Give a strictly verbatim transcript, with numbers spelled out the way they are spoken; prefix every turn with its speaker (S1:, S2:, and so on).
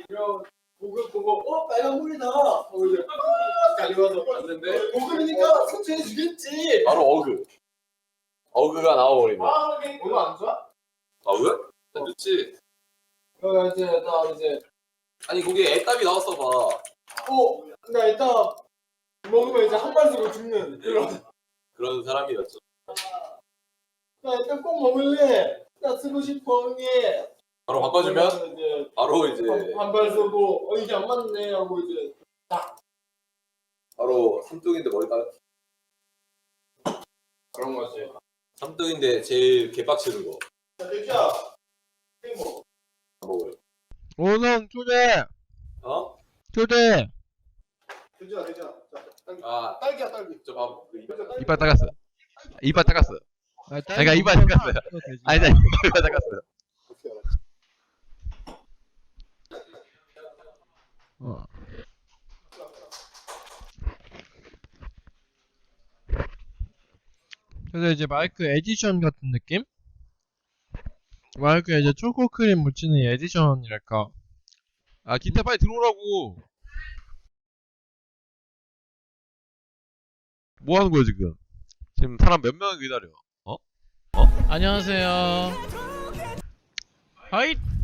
S1: 보고 보고 어 빨간 물이다. 하고 이제 아 달려와서 봤는데 먹으니까 소주해 주겠지.
S2: 바로 어그. 어그가 나와버린다.
S1: 아 어그 안 좋아?
S2: 어그? 난 좋지.
S1: 어 이제 나 이제
S2: 아니 거기에 애답이 나왔어 봐.
S1: 어나 일단 먹으면 이제 한 발 쓰고 죽는 이런.
S2: 그런 사람이었죠.
S1: 나 일단 꼭 먹을래. 나 쓰고 싶어 형님.
S2: 바로 바꿔주면
S1: 이제
S2: 바로 이제
S1: 반발 쓰고 어 이게 안 맞네 하고 이제
S2: 바로 삼뚱인데 머리 따.
S1: 그런 거지.
S2: 삼뚱인데 제일 개빡치는 거.
S1: 자 대기야. 뭐?
S2: 먹어요.
S3: 오성 초대
S2: 어?
S3: 초대.
S1: 대기야 대기야. 자 딸기.
S2: 아,
S1: 딸기야 딸기.
S2: 저 밥. 그 이빨 닦-
S3: 이빨 닦았어. 이빨 닦았어. 내가 이빨 닦았어요. 아니 나 이빨 닦았어요. 어. 그래서 이제 마이크 에디션 같은 느낌? 마이크에 이제 초코크림 묻히는 이 에디션이랄까. 아 기타 빨리 들어오라고. 뭐 하는 거야 지금? 지금 사람 몇 명을 기다려? 어? 어? 안녕하세요. 하이.